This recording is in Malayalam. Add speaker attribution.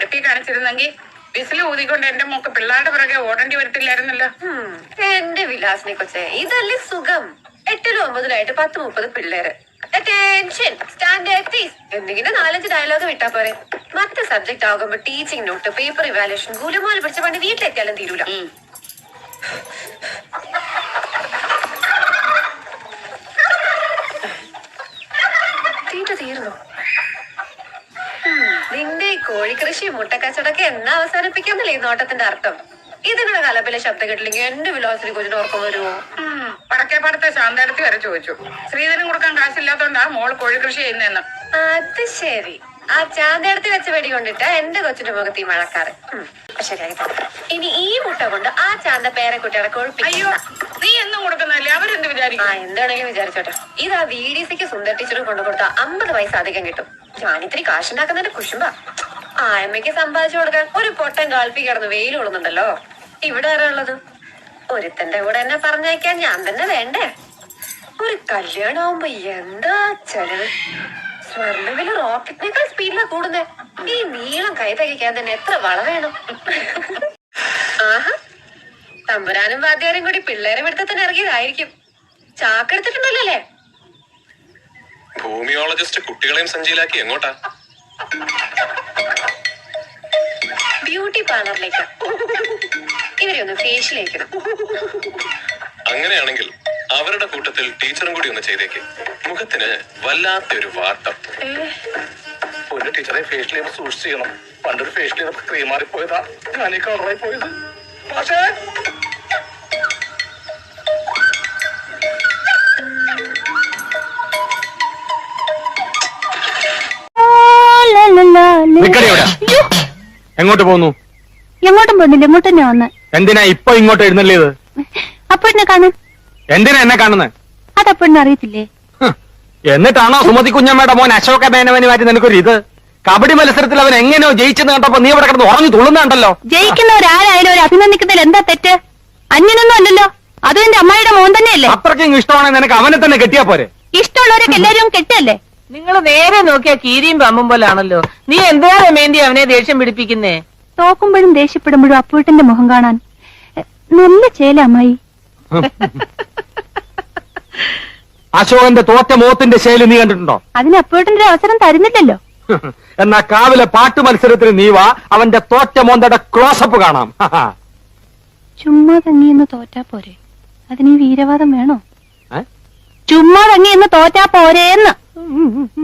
Speaker 1: ശക്തി കാണിച്ചിരുന്നെങ്കിൽ വിസിൽ ഊതിക്കൊണ്ട് എന്റെ മോക്ക് പിള്ളേരുടെ പിറകെ ഓടേണ്ടി വരത്തില്ലായിരുന്നല്ലോ.
Speaker 2: എന്റെ വിലാസിനെ കൊച്ചേ, ഇതല്ലേ സുഖം. 8ലും 9ലായിട്ട് 10-30 പിള്ളേര്. അറ്റൻഷൻ, സ്റ്റാൻഡ് എന്തെങ്കിലും 4-5 ഡയലോഗ് വിട്ടാ പോരെ. മറ്റേ സബ്ജക്ട് ആകുമ്പോ ടീച്ചിങ് നോട്ട്, പേപ്പർ ഇവാലുവേഷൻ, ഗുലുമാല് പിടിച്ച പണ്ട് വീട്ടിലെത്തിയാലും തീരൂല. തീർന്നു. നിന്റെ ഈ കോഴിക്കൃഷി മുട്ടക്കച്ചവടൊക്കെ എന്നാ അവസാനിപ്പിക്കാന്നല്ലേ ഈ നോട്ടത്തിന്റെ അർത്ഥം? ഇതിങ്ങനെ കലപ്പിലെ ശബ്ദം കേട്ടില്ലെങ്കിൽ എന്റെ വിലാസിനെ കൊച്ചിന് ഓർക്കം വരുമോ?
Speaker 1: പടക്കേപ്പാടത്തെ ശാന്തടുത്ത് വരെ ചോദിച്ചു. ശ്രീധരൻ കൊടുക്കാൻ കാശില്ലാത്തോണ്ടാ മോള് കോഴിക്കൃഷി ചെയ്യുന്നതെന്ന്.
Speaker 2: അത് ശരി. ആ ചാന്തടുത്ത് വെച്ച് വെടി കൊണ്ടിട്ട് എന്റെ കൊച്ചിന്റെ മുഖത്ത് ഈ മഴക്കാറ്. ശരിയായി. ഇനി ഈ മുട്ട കൊണ്ട് ആ ചാന്ത പേരക്കുട്ടികളെ
Speaker 1: അയ്യോ, നീ എന്നും കൊടുക്കുന്നല്ലേ, അവരെന്ത് വിചാരിക്കും?
Speaker 2: എന്താണെങ്കിലും വിചാരിച്ചോട്ടെ. ഇത് ആ VDCക്ക് സുന്ദർ ടീച്ചറും കൊണ്ടു കൊടുത്ത 50 പൈസ അധികം കിട്ടും. ഞാനിത്തിരി കാശുണ്ടാക്കുന്നതിന്റെ കുശുമ്പ. ആയമ്മയ്ക്ക് സമ്പാദിച്ചു കൊടുക്കാൻ ഒരു പൊട്ടൻ കാൽപ്പി കിടന്ന് വെയിൽ കൊള്ളുന്നുണ്ടല്ലോ. ഇവിടെ ആരാ ഉള്ളത്? ഒരുത്തന്റെ കൂടെ എന്നെ പറഞ്ഞയക്കാൻ ഞാൻ തന്നെ വേണ്ടേ? ഒരു കല്യാണമാകുമ്പോ എന്താ ചെലവ്? സ്വർണ്ണവില റോക്കറ്റിനേക്കാൾ സ്പീഡിലാ കൂടുന്നേ. ഈ നീളം കൈ തയ്ക്കാൻ തന്നെ എത്ര വള വേണം? ആഹാ, തമ്പുരാനും വാദ്യാരും കൂടി പിള്ളേരെ എടുത്തത്തിന് ഇറങ്ങിയതായിരിക്കും. ചാക്കെടുത്തിട്ടുണ്ടല്ലോ അല്ലേ?
Speaker 3: ഭൂമിയോളജിസ്റ്റ് കുട്ടികളെയും സഞ്ചിയിലാക്കി എങ്ങോട്ടാ?
Speaker 2: ബ്യൂട്ടി പാർലറിലേക്ക്. ഇവരെ ഒന്ന് ഫേഷ്യൽ.
Speaker 3: അങ്ങനെയാണെങ്കിൽ അവരുടെ കൂട്ടത്തിൽ ടീച്ചറും കൂടി ഒന്ന് ചെയ്തേക്ക്. മുഖത്തിന് വല്ലാത്തൊരു വാട്ടം.
Speaker 4: ഒരു ടീച്ചറെ ഫേഷ്യൽ ചെയ്യുമ്പോൾ സൂക്ഷിച്ച് ചെയ്യണം. പണ്ടൊരു ഫേഷ്യൽ ചെയ്തപ്പോൾ ക്രീം മാറിപ്പോയതാ, ഞാൻ ഈ കളറായി പോയത്. പക്ഷേ
Speaker 5: എങ്ങോട്ട് പോന്നു?
Speaker 6: എങ്ങോട്ടും പോകുന്നില്ല, ഇങ്ങോട്ട് തന്നെ വന്ന്.
Speaker 5: എന്തിനാ ഇപ്പൊ ഇങ്ങോട്ട് എഴുന്നള്ളിയത്?
Speaker 6: അപ്പോഴെന്നെ കാണാൻ.
Speaker 5: എന്തിനാ എന്നെ കാണുന്നത്?
Speaker 6: അതപ്പോഴെന്നെ അറിയത്തില്ലേ?
Speaker 5: എന്നിട്ടാണോ സുമതി കുഞ്ഞമ്മയുടെ മോൻ അശോക മേനവന് മാറ്റി നിനക്കൊരു ഇത്? കബഡി മത്സരത്തിൽ അവൻ എങ്ങനെയോ ജയിച്ചെന്ന് കണ്ടപ്പോ നീ ഇവിടെ കിടന്ന് ഉറങ്ങി തുള്ളുന്നുണ്ടല്ലോ.
Speaker 6: ജയിക്കുന്നവരാരായാലും ഒരു അഭിനന്ദിക്കുന്നതിൽ എന്താ തെറ്റ്? അന്യനൊന്നും അല്ലല്ലോ, അതും എന്റെ അമ്മായിയുടെ മോൻ തന്നെയല്ലേ.
Speaker 5: അത്രയ്ക്കും ഇഷ്ടമാണെങ്കിൽ നിനക്ക് അവനെ തന്നെ കെട്ടിയാ പോരെ?
Speaker 6: ഇഷ്ടമുള്ളവരൊക്കെ എല്ലാരും കെട്ടല്ലേ?
Speaker 7: നിങ്ങൾ നേരെ നോക്കിയാ കീരിയും പാമ്പും പോലാണല്ലോ. നീ എന്താ രമേന്തി അവനെ ദേഷ്യം പിടിപ്പിക്കുന്നേ?
Speaker 6: തോക്കുമ്പോഴും ദേഷ്യപ്പെടുമ്പോഴും അപ്പൂട്ടന്റെ മുഖം കാണാൻ നല്ല ചേല അമ്മായി.
Speaker 5: അശോകന്റെ തോറ്റ മോത്തിന്റെ ശൈലി നീ കണ്ടിട്ടുണ്ടോ?
Speaker 6: അതിന് അപ്പൂട്ടന്റെ അവസരം തരുന്നില്ലല്ലോ.
Speaker 5: എന്നാ കാവിലെ പാട്ട് മത്സരത്തിന് നീ വാ, അവന്റെ തോറ്റ മോന്തയുടെ ക്ലോസപ്പ് കാണാം.
Speaker 6: ചുമ്മാ തങ്ങിയെന്ന് തോറ്റാ പോരെ, അതിന് ഈ വീരവാദം വേണോ? ചുമ്മാ തങ്ങിയെന്ന് തോറ്റാ പോരേന്ന്.